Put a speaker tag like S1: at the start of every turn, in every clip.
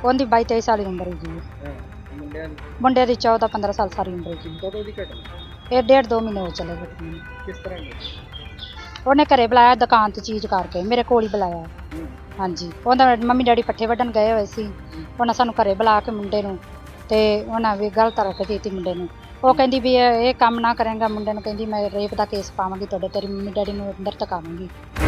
S1: ਉਹਦੀ 22-23 ਸਾਲ ਦੀ ਉਮਰ ਹੈ ਜੀ।
S2: ਮੁੰਡਿਆਂ ਦੀ
S1: ਮੁੰਡੇ ਦੀ 14-15 ਸਾਲ ਸਾਰੀ ਉਮਰ ਹੈ ਜੀ।
S2: ਕਦੋਂ ਦੀ ਘਟਨਾ?
S1: ਇਹ 1.5-2 ਮਹੀਨੇ ਹੋ ਚਲੇ ਗਏ ਨੇ।
S2: ਕਿਸ ਤਰ੍ਹਾਂ ਦੀ?
S1: ਉਹਨੇ ਘਰੇ ਬੁਲਾਇਆ ਦੁਕਾਨ ਤੇ ਚੀਜ਼ ਕਰਕੇ, ਮੇਰੇ ਕੋਲ ਹੀ ਬੁਲਾਇਆ। ਹਾਂਜੀ, ਉਹਦਾ ਮੰਮੀ ਡੈਡੀ ਪੱਠੇ ਵੱਢਣ ਗਏ ਹੋਏ ਸੀ। ਉਹਨਾਂ ਸਾਨੂੰ ਘਰੇ ਬੁਲਾ ਕੇ ਮੁੰਡੇ ਨੂੰ ਤੇ ਉਹਨਾਂ ਵੀ ਗਲਤ ਰੱਖ ਦਿੱਤੀ ਮੁੰਡੇ ਨੂੰ। ਉਹ ਕਹਿੰਦੀ ਵੀ ਇਹ ਕੰਮ ਨਾ ਕਰੇਗਾ, ਮੁੰਡੇ ਨੂੰ ਕਹਿੰਦੀ ਮੈਂ ਰੇਪ ਦਾ ਕੇਸ ਪਾਵਾਂਗੀ ਤੁਹਾਡੇ, ਤੇਰੀ ਮੰਮੀ ਡੈਡੀ ਨੂੰ ਅੰਦਰ ਧਕਾਵਾਂਗੀ।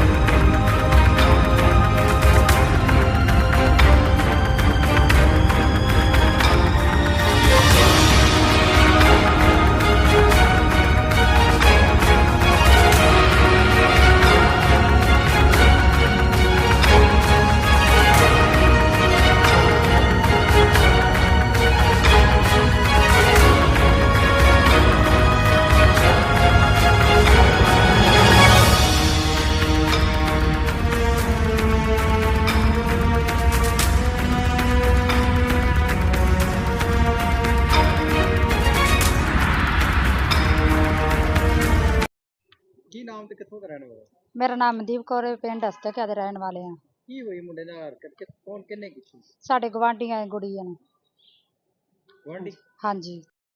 S2: ਕੀ ਨਾਮ ਤੇ ਕਿੱਥੋਂ ਦਾ ਰਹਿਣ ਵਾਲਾ?
S1: ਮੇਰਾ ਨਾਮ ਮਨਦੀਪ ਕੌਰ ਹੈ, ਪਿੰਡ ਹਸਤਕਿਆ ਦੇ ਰਹਿਣ ਵਾਲੇ ਆ।
S2: ਕੀ ਹੋਈ ਮੁੰਡੇ ਨਾਲ ਹਰਕਤ? ਕੌਣ ਕਿੰਨੇ ਕੀਤੀ?
S1: ਸਾਡੇ ਗਵਾਂਢੀਆਂ ਗੁੜੀਆਂ ਨੇ।
S2: ਗੁਆਂਢੀ?
S1: ਹਾਂਜੀ,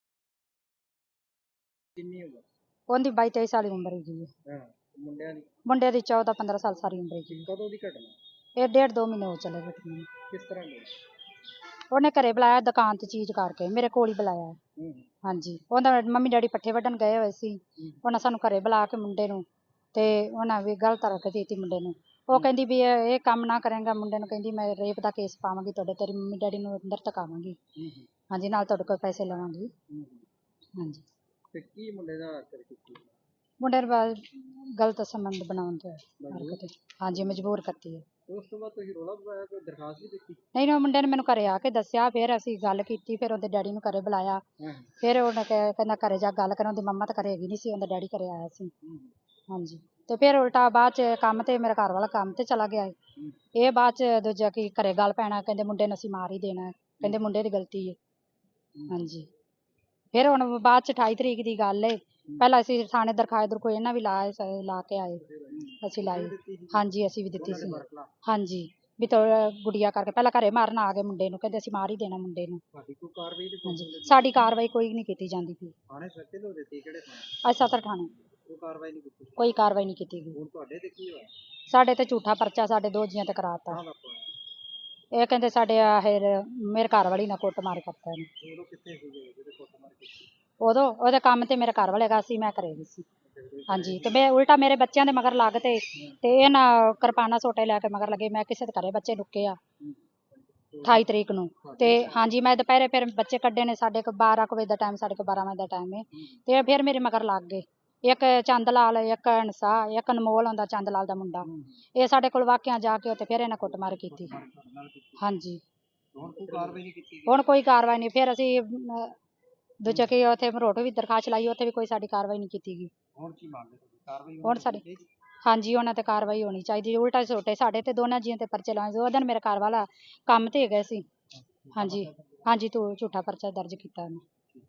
S2: ਕਿੰਨੀ ਉਮਰ?
S1: ਉਹਦੀ 22-23 ਸਾਲ ਦੀ ਉਮਰ ਹੈ ਜੀ।
S2: ਮੁੰਡਿਆਂ ਦੀ?
S1: ਮੁੰਡੇ ਦੀ 14-15 ਸਾਲ ਸਾਰੀ ਉਮਰ ਹੈ ਜੀ।
S2: ਕਦੋਂ ਦੀ ਘਟਨਾ?
S1: ਇਹ 1.5-2 ਮਹੀਨੇ ਹੋ ਚਲੇ ਗਏ ਨੇ।
S2: ਕਿਸ ਤਰ੍ਹਾਂ ਦੀ?
S1: ਉਹਨੇ ਘਰੇ ਬੁਲਾਇਆ ਦੁਕਾਨ ਤੇ ਚੀਜ਼ ਕਰਕੇ, ਮੇਰੇ ਕੋਲ ਹੀ ਬੁਲਾਇਆ। ਹਾਂਜੀ, ਉਹਦਾ ਮੰਮੀ ਡੈਡੀ ਪੱਠੇ ਵੱਢਣ ਗਏ ਹੋਏ ਸੀ। ਉਹਨਾਂ ਸਾਨੂੰ ਘਰੇ ਬੁਲਾ ਕੇ ਮੁੰਡੇ ਨੂੰ ਤੇ ਉਹਨਾਂ ਵੀ ਗਲਤ ਰੱਖ ਦਿੱਤੀ ਮੁੰਡੇ ਨੂੰ। ਉਹ ਕਹਿੰਦੀ ਵੀ ਇਹ ਕੰਮ ਨਾ ਕਰੇਗਾ, ਮੁੰਡੇ ਨੂੰ ਕਹਿੰਦੀ ਮੈਂ ਰੇਪ ਦਾ ਕੇਸ ਪਾਵਾਂਗੀ ਤੁਹਾਡੇ, ਤੇਰੀ ਮੰਮੀ ਡੈਡੀ ਨੂੰ ਅੰਦਰ ਧਕਾਵਾਂਗੀ। ਹਾਂਜੀ, ਨਾਲ ਤੁਹਾਡੇ ਕੋਲ ਪੈਸੇ ਲਵਾਂਗੀ। ਹਾਂਜੀ,
S2: ਤੇ ਕੀ ਮੁੰਡੇ ਨਾਲ ਹਰਕਤ ਕੀਤੀ?
S1: ਮੁੰਡੇ ਨੂੰ ਗਲਤ ਸੰਬੰਧ ਬਣਾਉਣ ਤੇ ਹਰਕਤ, ਹਾਂਜੀ, ਮਜਬੂਰ ਕਰਤੀ ਹੈ।
S2: ਉਸ ਤੋਂ ਬਾਅਦ ਤੁਸੀਂ ਰੌਲਾ ਪਾਇਆ, ਕੋਈ ਦਰਖਾਸਤ ਵੀ ਦਿੱਤੀ?
S1: ਨਹੀਂ, ਉਹ ਮੁੰਡੇ ਨੇ ਮੈਨੂੰ ਘਰੇ ਆ ਕੇ ਦੱਸਿਆ, ਫਿਰ ਅਸੀਂ ਗੱਲ ਕੀਤੀ, ਫਿਰ ਉਹਦੇ ਡੈਡੀ ਨੂੰ ਘਰੇ ਬੁਲਾਇਆ। ਫਿਰ ਉਹਨੇ ਕਹਿੰਦਾ ਘਰੇ ਜਾ ਗੱਲ ਕਰਨ, ਉਹਦੀ ਮੰਮਾ ਤਾਂ ਘਰੇ ਹੈਗੀ ਨਹੀਂ ਸੀ, ਉਹਦਾ ਡੈਡੀ ਘਰੇ ਆਇਆ ਸੀ। ਹਾਂਜੀ, ਤੇ ਫਿਰ ਉਲਟਾ ਬਾਅਦ ਚ ਕੰਮ ਤੇ ਮੇਰਾ ਘਰ ਵਾਲਾ ਕੰਮ ਤੇ ਚਲਾ ਗਿਆ। ਇਹ ਬਾਅਦ ਚ ਦੂਜਾ ਕੀ ਘਰੇ ਗੱਲ ਪੈਣਾ, ਕਹਿੰਦੇ ਮੁੰਡੇ ਨੂੰ ਅਸੀਂ ਮਾਰ ਹੀ ਦੇਣਾ, ਕਹਿੰਦੇ ਮੁੰਡੇ ਦੀ ਗਲਤੀ ਹੈ। ਹਾਂਜੀ, ਫਿਰ ਹੁਣ ਬਾਅਦ ਚ 28 ਤਰੀਕ ਦੀ ਗੱਲ ਏ, ਪਹਿਲਾਂ ਅਸੀਂ ਥਾਣੇ ਦਰਖਾਸਤ ਦਰਖੋ ਇਹਨਾਂ ਵੀ ਲਾ ਕੇ ਆਏ, ਅਸੀਂ ਲਾਈ। ਹਾਂਜੀ, ਅਸੀਂ ਵੀ ਦਿੱਤੀ ਸੀ। ਹਾਂਜੀ, ਵੀ ਗੁੜੀਆ ਕਰਕੇ ਪਹਿਲਾਂ ਘਰੇ ਮਾਰਨ ਆ ਗਏ ਮੁੰਡੇ ਨੂੰ, ਕਹਿੰਦੇ ਅਸੀਂ ਮਾਰ ਹੀ ਦੇਣਾ ਮੁੰਡੇ ਨੂੰ। ਹਾਂਜੀ, ਸਾਡੀ ਕਾਰਵਾਈ ਕੋਈ ਨਹੀਂ ਕੀਤੀ ਜਾਂਦੀ ਪਈ। ਅੱਜ ਸਦਰ ਥਾਣੇ ਕੋਈ ਕਾਰਵਾਈ ਨਹੀਂ ਕੀਤੀ ਗਈ। ਸਾਡੇ ਤੇ ਝੂਠਾ ਪਰਚਾ ਸਾਡੇ 2 ਜੀਆਂ ਤੇ ਕਰਾਤਾ। ਇਹ ਕਹਿੰਦੇ ਸਾਡੇ ਮੇਰੇ ਘਰ ਵਾਲੀ ਨਾਲ ਕੁੱਟਮਾਰ ਕਰਤਾ ਇਹਨੇ। ਉਦੋਂ ਉਹਦੇ ਕੰਮ ਤੇ ਮੇਰੇ ਘਰ ਵਾਲੇ ਹੈਗਾ ਸੀ, ਮੈਂ ਘਰੇ ਨਹੀਂ ਸੀ। ਹਾਂਜੀ, ਤੇ ਮੈਂ ਉਲਟਾ ਮੇਰੇ ਬੱਚਿਆਂ ਦੇ ਮਗਰ ਲੱਗ ਤੇ ਇਹ ਨਾ ਕਿਰਪਾਨਾਂ ਸੋਟੇ ਲੈ ਕੇ ਮਗਰ ਲੱਗੇ। ਮੈਂ ਕਿਸੇ ਦੇ ਘਰੇ ਬੱਚੇ ਰੁਕੇ ਆ 28 ਤਰੀਕ ਨੂੰ, ਤੇ ਹਾਂਜੀ ਮੈਂ ਦੁਪਹਿਰੇ ਫਿਰ ਬੱਚੇ ਕੱਢੇ ਨੇ, ਸਾਡੇ ਕੋਲ 12 ਵਜੇ ਦਾ ਟਾਈਮ, ਸਾਡੇ ਕੋਲ 12 ਵਜੇ ਦਾ ਟਾਈਮ ਹੈ। ਤੇ ਫਿਰ ਮੇਰੇ ਮਗਰ ਲੱਗ ਗਏ, ਇੱਕ ਚੰਦ ਲਾਲ, ਇੱਕ ਹੰਸਾ, ਇੱਕ ਅਨਮੋਲ ਆਉਂਦਾ ਚੰਦ ਲਾਲ ਦਾ ਮੁੰਡਾ। ਇਹ ਸਾਡੇ ਕੋਲ ਵਾਕਿਆ ਜਾ ਕੇ ਉੱਥੇ ਫਿਰ ਇਹਨਾਂ ਕੁੱਟਮਾਰ ਕੀਤੀ। ਹਾਂਜੀ, ਹੁਣ ਕੋਈ ਕਾਰਵਾਈ ਨਹੀਂ। ਫਿਰ ਅਸੀਂ ਦੂਜਾ ਕਿ ਉੱਥੇ ਮਰੋਟ ਵੀ ਦਰਖਾਸਤ ਲਾਈ, ਉੱਥੇ ਵੀ ਕੋਈ ਸਾਡੀ ਕਾਰਵਾਈ ਨਹੀਂ ਕੀਤੀ ਗਈ। ਹੁਣ ਸਾਡੀ ਹਾਂਜੀ, ਉਹਨਾਂ ਤੇ ਕਾਰਵਾਈ ਹੋਣੀ ਚਾਹੀਦੀ। ਉਲਟਾ ਛੋਟੇ ਸਾਡੇ ਤੇ ਦੋਨਾਂ ਜੀਆਂ ਤੇ ਪਰਚੇ ਲਾਏ। ਉਹ ਦਿਨ ਮੇਰੇ ਘਰ ਵਾਲਾ ਕੰਮ ਤੇ ਗਏ ਸੀ। ਹਾਂਜੀ ਹਾਂਜੀ, ਤੂੰ ਝੂਠਾ ਪਰਚਾ ਦਰਜ ਕੀਤਾ ਉਹਨੇ।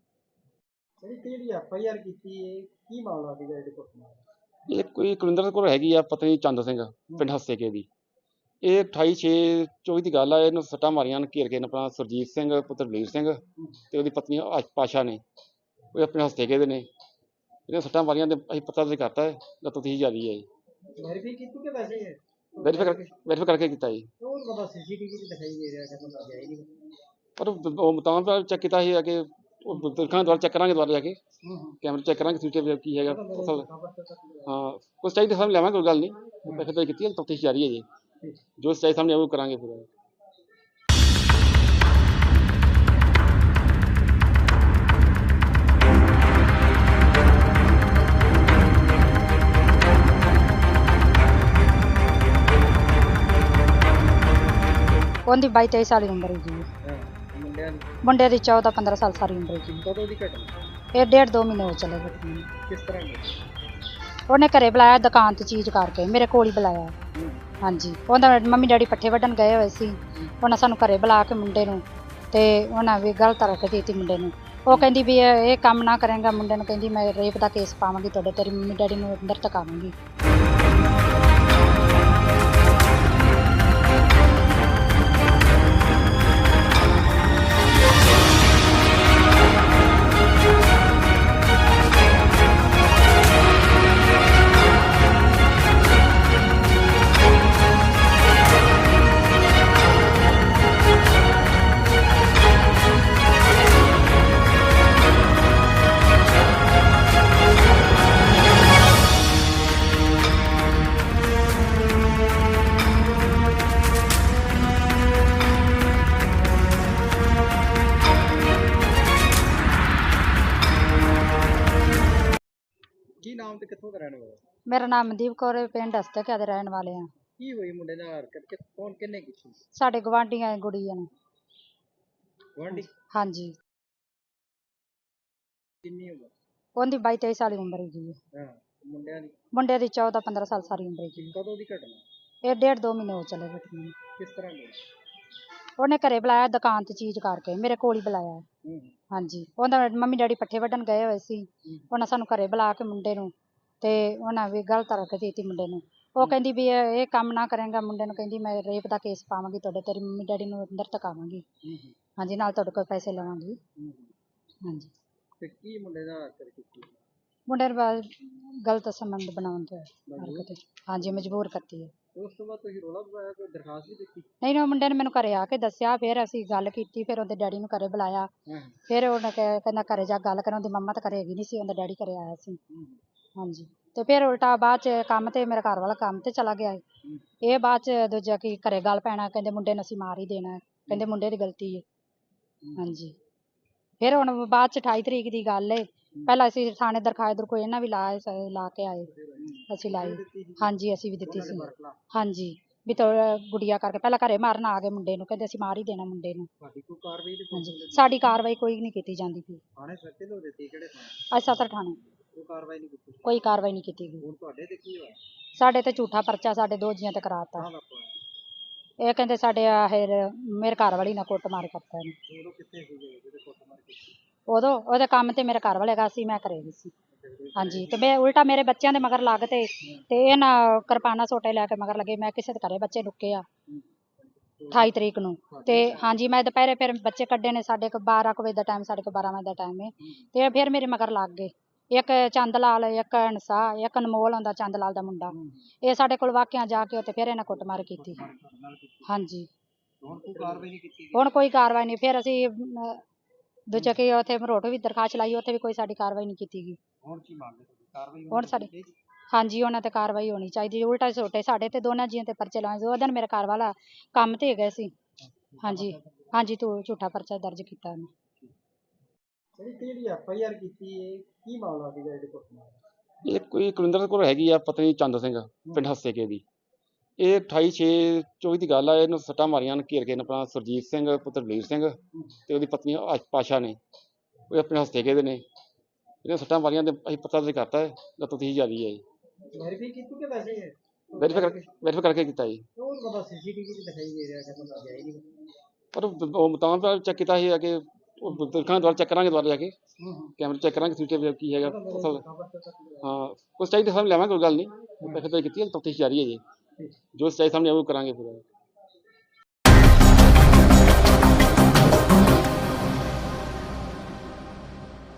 S3: ਇਹ ਕੋਈ ਕੁਲਿੰਦਰ ਕੌਰ ਹੈਗੀ ਆ, ਪਤਨੀ ਚੰਦ ਸਿੰਘ, ਪਿੰਡ ਹੱਸੇਕੇ ਦੀ। ਇਹ 28/6/24 ਦੀ ਗੱਲ ਆ। ਇਹਨੂੰ ਸੱਟਾਂ ਮਾਰੀਆਂ ਨੇ, ਘੇਰ ਕੇ ਆਪਣਾ ਸੁਰਜੀਤ ਸਿੰਘ ਪੁੱਤਰ ਬਲੀਰ ਸਿੰਘ ਤੇ ਉਹਦੀ ਪਤਨੀ ਪਾਸ਼ਾ ਨੇ, ਉਹ ਆਪਣੇ ਹੱਸੇਕੇ ਦੇ ਨੇ। ਇਹਨੇ ਸੱਟਾਂ ਮਾਰੀਆਂ ਤੇ ਅਸੀਂ ਪਤਾ ਦਰਜ ਕਰਤਾ ਹੈ, ਤਫਤੀਸ਼ ਜਾਰੀ ਹੈ ਜੀ। ਵੈਰੀਫਾਈ ਕਰਕੇ ਕੀਤਾ ਜੀ। ਪਰ ਉਹ ਮੁਤਾਬਕ ਚੈੱਕ ਕੀਤਾ ਸੀ ਕਿ ਉਹ ਦੁਕਾਨ ਦੁਆਰਾ ਚੈੱਕ ਕਰਾਂਗੇ, ਦੁਆਰਾ ਜਾ ਕੇ ਕੈਮਰੇ ਚੈੱਕ ਕਰਾਂਗੇ, ਸੀਸੀਟੀਵੀ ਕੀ ਹੈਗਾ ਅਸਲ। ਹਾਂ, ਕੁਛ ਚਾਹੀਦਾ ਸਾਹਮਣੇ ਲਿਆਵਾਂਗੇ, ਕੋਈ ਗੱਲ ਨਹੀਂ। ਵੈਰੀਫਾਈ ਕੀਤੀ ਹੈ, ਤਫਤੀਸ਼ ਜਾਰੀ ਹੈ ਜੀ। ਜੋ ਚਾਹੀਦਾ ਸਾਹਮਣੇ ਉਹ ਕਰਾਂਗੇ ਪੂਰਾ।
S1: ਉਹਦੀ 22-23 ਸਾਲ ਦੀ ਉਮਰ ਹੈ ਜੀ। ਮੁੰਡੇ ਦੀ 14-15 ਸਾਲ ਸਾਰੀ ਉਮਰ ਹੈ ਜੀ।
S2: ਕਦੋਂ ਦੀ ਘਟਨਾ?
S1: ਇਹ 1.5-2 ਮਹੀਨੇ ਹੋ ਚਲੇ ਗਏ ਨੇ।
S2: ਕਿਸ ਤਰ੍ਹਾਂ ਦੀ?
S1: ਉਹਨੇ ਘਰੇ ਬੁਲਾਇਆ ਦੁਕਾਨ ਤੇ ਚੀਜ਼ ਕਰਕੇ, ਮੇਰੇ ਕੋਲ ਹੀ ਬੁਲਾਇਆ। ਹਾਂਜੀ, ਉਹਦਾ ਮੰਮੀ ਡੈਡੀ ਪੱਠੇ ਵੱਢਣ ਗਏ ਹੋਏ ਸੀ। ਉਹਨਾਂ ਸਾਨੂੰ ਘਰੇ ਬੁਲਾ ਕੇ ਮੁੰਡੇ ਨੂੰ ਤੇ ਉਹਨਾਂ ਵੀ ਗਲਤ ਰੱਖ ਦਿੱਤੀ ਮੁੰਡੇ ਨੂੰ। ਉਹ ਕਹਿੰਦੀ ਵੀ ਇਹ ਕੰਮ ਨਾ ਕਰੇਗਾ, ਮੁੰਡੇ ਨੂੰ ਕਹਿੰਦੀ ਮੈਂ ਰੇਪ ਦਾ ਕੇਸ ਪਾਵਾਂਗੀ ਤੁਹਾਡੇ, ਤੇਰੀ ਮੰਮੀ ਡੈਡੀ ਨੂੰ ਅੰਦਰ ਧਕਾਵਾਂਗੀ।
S2: ਨਾਮ ਤੇ ਕਿੱਥੋਂ ਦਾ ਰਹਿਣ ਵਾਲਾ?
S1: ਮੇਰਾ ਨਾਮ ਮਨਦੀਪ ਕੌਰ ਹੈ, ਪਿੰਡ ਹਸਤਕਿਆ ਦੇ ਰਹਿਣ ਵਾਲੇ ਆ।
S2: ਕੀ ਹੋਈ ਮੁੰਡੇ ਨਾਲ ਹਰਕਤ ਕਿ ਕੌਣ ਕਿੰਨੇ ਕੀਤੀ?
S1: ਸਾਡੇ ਗਵਾਂਢੀਆਂ ਗੁੜੀਆਂ ਨੇ।
S2: ਗੁਆਂਢੀ?
S1: ਹਾਂਜੀ,
S2: ਕਿੰਨੀ ਉਮਰ?
S1: ਉਹਦੀ 22-23 ਸਾਲ ਦੀ ਉਮਰ ਹੈਗੀ ਹੈ।
S2: ਹਾਂ। ਮੁੰਡਿਆਂ ਦੀ?
S1: ਮੁੰਡੇ ਦੀ 14-15 ਸਾਲ ਸਾਰੀ ਉਮਰ ਹੈਗੀ
S2: ਕਦੋਂ ਦੀ ਘਟਨਾ?
S1: ਹੈ। ਇਹ 1.5-2 ਮਹੀਨੇ ਹੋ ਚਲੇ ਬੈਠੇ ਨੂੰ।
S2: ਕਿਸ ਤਰ੍ਹਾਂ ਦੀ?
S1: ਉਹਨੇ ਘਰੇ ਬੁਲਾਇਆ ਦੁਕਾਨ ਤੇ ਚੀਜ਼ ਕਰਕੇ, ਮੇਰੇ ਕੋਲ ਹੀ ਬੁਲਾਇਆ।
S2: ਹੂੰ
S1: ਹਾਂਜੀ, ਉਹਦਾ ਮੰਮੀ ਡੈਡੀ ਪੱਠੇ ਵੱਢਣ ਗਏ ਹੋਏ ਸੀ। ਉਹਨਾਂ ਸਾਨੂੰ ਘਰੇ ਬੁਲਾ ਕੇ ਮੁੰਡੇ ਨੂੰ ਤੇ ਉਹਨਾਂ ਵੀ ਗਲਤ ਹਰਕਤ ਕੀਤੀ ਮੁੰਡੇ ਨੂੰ। ਉਹ ਕਹਿੰਦੀ ਵੀ ਇਹ ਕੰਮ ਨਾ ਕਰੇਗਾ, ਮੁੰਡੇ ਨੂੰ ਕਹਿੰਦੀ ਮੈਂ ਰੇਪ ਦਾ ਕੇਸ ਪਾਵਾਂਗੀ ਤੁਹਾਡੇ, ਤੇਰੀ ਮੰਮੀ ਡੈਡੀ ਨੂੰ ਅੰਦਰ ਤਕਾਵਾਂਗੀ। ਹਾਂਜੀ, ਨਾਲ ਤੁਹਾਡੇ ਕੋਲ ਪੈਸੇ ਲਵਾਂਗੀ। ਹਾਂਜੀ।
S2: ਤੇ ਕੀ ਮੁੰਡੇ ਨਾਲ ਹਰਕਤ ਕੀਤੀ?
S1: ਮੁੰਡੇ ਨੂੰ ਗਲਤ ਸੰਬੰਧ ਬਣਾਉਣ ਤੇ ਹਰਕਤ। ਹਾਂਜੀ, ਮਜਬੂਰ ਕਰਤੀ ਹੈ।
S2: ਉਸ ਤੋਂ ਬਾਅਦ ਤੁਸੀਂ ਰੌਲਾ ਪਾਇਆ, ਕੋਈ ਦਰਖਾਸਤ ਵੀ ਦਿੱਤੀ?
S1: ਨਹੀਂ, ਉਹ ਮੁੰਡੇ ਨੇ ਮੈਨੂੰ ਘਰੇ ਆ ਕੇ ਦੱਸਿਆ, ਫਿਰ ਅਸੀਂ ਗੱਲ ਕੀਤੀ, ਫਿਰ ਉਹਦੇ ਡੈਡੀ ਨੂੰ ਘਰੇ ਬੁਲਾਇਆ। ਫਿਰ ਉਹਨੇ ਕਹਿੰਦਾ ਘਰੇ ਜਾ ਗੱਲ ਕਰ, ਉਹਦੀ ਮੰਮਾ ਤਾਂ ਘਰੇ ਹੈਗੀ ਨਹੀਂ ਸੀ, ਉਹਦਾ ਡੈਡੀ ਘਰੇ ਆਇਆ ਸੀ। ਹਾਂਜੀ, ਤੇ ਫਿਰ ਉਲਟਾ ਬਾਅਦ ਚ ਕੰਮ ਤੇ ਮੇਰਾ ਘਰ ਵਾਲਾ ਕੰਮ ਤੇ ਚਲਾ ਗਿਆ। ਇਹ ਬਾਅਦ ਚ ਦੂਜਾ ਕੀ ਘਰੇ ਗੱਲ ਪੈਣਾ, ਕਹਿੰਦੇ ਮੁੰਡੇ ਨੂੰ ਅਸੀਂ ਮਾਰ ਹੀ ਦੇਣਾ, ਕਹਿੰਦੇ ਮੁੰਡੇ ਦੀ ਗਲਤੀ ਹੈ। ਹਾਂਜੀ, ਫਿਰ ਹੁਣ ਬਾਅਦ ਚ 28 ਤਰੀਕ ਦੀ ਗੱਲ ਏ। ਪਹਿਲਾਂ ਅਸੀਂ ਥਾਣੇ ਦਰਖਾਸਤ ਕੋਈ ਇਹਨਾਂ ਵੀ ਲਾ ਕੇ ਆਏ, ਅਸੀਂ ਲਾਈ। ਹਾਂਜੀ, ਅਸੀਂ ਵੀ ਦਿੱਤੀ ਸੀ। ਹਾਂਜੀ, ਵੀ ਗੁੜੀਆ ਕਰਕੇ ਪਹਿਲਾਂ ਘਰੇ ਮਾਰਨ ਆ ਗਏ ਮੁੰਡੇ ਨੂੰ, ਕਹਿੰਦੇ ਅਸੀਂ ਮਾਰ ਹੀ ਦੇਣਾ ਮੁੰਡੇ ਨੂੰ। ਹਾਂਜੀ, ਸਾਡੀ ਕਾਰਵਾਈ ਕੋਈ ਨਹੀਂ ਕੀਤੀ ਜਾਂਦੀ ਪਈ।
S2: ਥਾਣੇ ਸੱਚੇ ਤੋਂ ਦਿੱਤੀ? ਕਿਹੜੇ ਥਾਣੇ?
S1: ਅੱਜ ਸਦਰ ਥਾਣੇ
S2: ਕੋਈ ਕਾਰਵਾਈ ਨਹੀਂ ਕੀਤੀ?
S1: ਕੋਈ ਕਾਰਵਾਈ ਨਹੀਂ ਕੀਤੀ ਗਈ।
S2: ਹੁਣ ਤੁਹਾਡੇ ਤੇ ਕੀ ਹੋਇਆ?
S1: ਸਾਡੇ ਤੇ ਝੂਠਾ ਪਰਚਾ ਸਾਡੇ ਦੋ ਜੀਆਂ ਤੇ ਕਰਾਤਾ।
S2: ਕਾਹਦਾ ਪਾਇਆ?
S1: ਇਹ ਕਹਿੰਦੇ ਸਾਡੇ ਮੇਰੇ ਘਰ ਵਾਲੀ ਨਾਲ ਕੁੱਟਮਾਰ ਕਰਤਾ ਇਹਨੇ।
S2: ਉਦੋਂ ਕਿੱਥੇ ਸੀਗੇ ਜਿਹੜੇ ਕੁੱਟਮਾਰ ਕੀਤੀ?
S1: ਉਦੋਂ ਉਹਦੇ ਕੰਮ ਤੇ ਮੇਰੇ ਘਰ ਵਾਲੇ ਗਾ ਸੀ, ਮੈਂ ਘਰੇ ਗਈ ਸੀ। ਹਾਂਜੀ, ਤੇ ਮੈਂ ਉਲਟਾ ਮੇਰੇ ਬੱਚਿਆਂ ਦੇ ਮਗਰ ਲੱਗ ਤੇ ਇਹ ਨਾ ਕਿਰਪਾਨਾਂ ਸੋਟੇ ਲੈ ਕੇ ਮਗਰ ਲੱਗੇ। ਮੈਂ ਕਿਸੇ ਦੇ ਘਰੇ ਬੱਚੇ ਲੁੱਕੇ ਆ 28 ਤਰੀਕ ਨੂੰ। ਤੇ ਹਾਂਜੀ, ਮੈਂ ਦੁਪਹਿਰੇ ਫਿਰ ਬੱਚੇ ਕੱਢੇ ਨੇ, ਸਾਡੇ ਕੋਲ 12 ਵਜੇ ਦਾ ਟਾਈਮ, ਸਾਡੇ ਕੋਲ 12 ਵਜੇ ਦਾ ਟਾਈਮ ਹੈ। ਤੇ ਫਿਰ ਮੇਰੇ ਮਗਰ ਲੱਗ ਗਏ, ਇੱਕ ਚੰਦ ਲਾਲ, ਇੱਕ ਅਨਸਾ, ਇੱਕ ਅਨਮੋਲ ਆਉਂਦਾ ਚੰਦ ਲਾਲ ਦਾ ਮੁੰਡਾ। ਇਹ ਸਾਡੇ ਕੋਲ ਵਾਕਿਆ ਜਾ ਕੇ ਉੱਥੇ ਫਿਰ ਇਹਨਾਂ ਕੁੱਟਮਾਰ ਕੀਤੀ। ਹਾਂਜੀ,
S2: ਹੁਣ ਕੋਈ ਕਾਰਵਾਈ ਨਹੀਂ ਕੀਤੀ?
S1: ਹੁਣ ਕੋਈ ਕਾਰਵਾਈ ਨਹੀਂ। ਫਿਰ ਅਸੀਂ ਦੂਜੇ ਕਿ ਉੱਥੇ ਮਰੋਟੋ ਵੀ ਦਰਖਾਸਤ ਲਾਈ, ਉੱਥੇ ਵੀ ਕੋਈ ਸਾਡੀ ਕਾਰਵਾਈ ਨਹੀਂ ਕੀਤੀ ਗਈ।
S2: ਹੁਣ ਕੀ ਮੰਗਦੇ ਤੁਸੀਂ? ਕਾਰਵਾਈ
S1: ਹੁਣ ਸਾਡੀ ਹਾਂਜੀ, ਉਹਨਾਂ ਤੇ ਕਾਰਵਾਈ ਹੋਣੀ ਚਾਹੀਦੀ। ਉਲਟਾ ਛੋਟੇ ਸਾਡੇ ਤੇ ਦੋਨਾਂ ਜੀਆਂ ਤੇ ਪਰਚੇ ਲਾਏ। ਉਹ ਦਿਨ ਮੇਰੇ ਘਰ ਵਾਲਾ ਕੰਮ ਤੇ ਗਏ ਸੀ। ਹਾਂਜੀ ਹਾਂਜੀ, ਤੂੰ ਝੂਠਾ ਪਰਚਾ ਦਰਜ ਕੀਤਾ ਉਹਨੇ।
S2: ਜਿਹੜੀ FIR ਕੀਤੀ ਹੈ, ਕੀ ਮਾਮਲਾ ਸੀਗਾ ਇਹਦੇ ਕੁੱਟਮਾਰ?
S3: ਇਹ ਕੋਈ ਕੁਲਿੰਦਰ ਕੌਰ ਹੈਗੀ ਆ ਪਤਨੀ ਚੰਦ ਸਿੰਘ, ਪਿੰਡ ਹੱਸੇਕੇ ਦੀ। ਇਹ 28/6/24 ਦੀ ਗੱਲ ਆ। ਇਹਨੂੰ ਸੱਟਾਂ ਮਾਰੀਆਂ ਨੇ ਘੇਰ ਕੇ ਆਪਣਾ ਸੁਰਜੀਤ ਸਿੰਘ ਪੁੱਤਰ ਦਲੇਰ ਸਿੰਘ ਤੇ ਉਹਦੀ ਪਤਨੀ ਪਾਸ਼ਾ ਨੇ। ਉਹ ਆਪਣੇ ਹੱਸੇਕੇ ਦੇ ਨੇ। ਇਹਨੇ ਸੱਟਾਂ ਮਾਰੀਆਂ ਤੇ ਅਸੀਂ ਪਤਾ ਤੇ ਕਰਤਾ ਹੈ, ਤਫਤੀਸ਼ ਜਾਰੀ ਹੈ ਜੀ।
S2: ਵੈਰੀਫਾਈ ਕੀਤੀ ਕਿ ਵੈਸੇ ਹੀ?
S3: ਵੈਰੀਫਾਈ ਕਰਕੇ ਕੀਤਾ ਜੀ।
S2: ਉਹ ਬੰਦਾ CCTV ਤੇ ਦਿਖਾਈ ਦੇ ਰਿਹਾ ਕਿ ਬੰਦਾ ਗਿਆ ਹੀ ਨਹੀਂ।
S3: ਪਰ ਉਹ ਤਾਂ ਚੈੱਕ ਕੀਤਾ ਸੀ ਕਿ ਉਹ ਦੇਖਾਂਗੇ, ਦੁਬਾਰਾ ਚੈੱਕ ਕਰਾਂਗੇ, ਦੁਬਾਰਾ ਜਾ ਕੇ ਕੈਮਰੇ ਚੈੱਕ ਕਰਾਂਗੇ, CCTV ਕੀ ਹੈਗਾ। ਹਾਂ, ਕੁਛ ਚਾਹੀਦਾ ਸਾਹਮਣੇ ਲਿਆਵਾਂਗੇ, ਕੋਈ ਗੱਲ ਨਹੀਂ। ਵੈਰੀਫਾਈ ਕੀਤੀ ਹੈ, ਤਫਤੀਸ਼ ਜਾਰੀ ਹੈ ਜੀ। ਜੋ ਸੱਚਾਈ ਸਾਹਮਣੇ ਆਊ ਕਰਾਂਗੇ ਫਿਰ।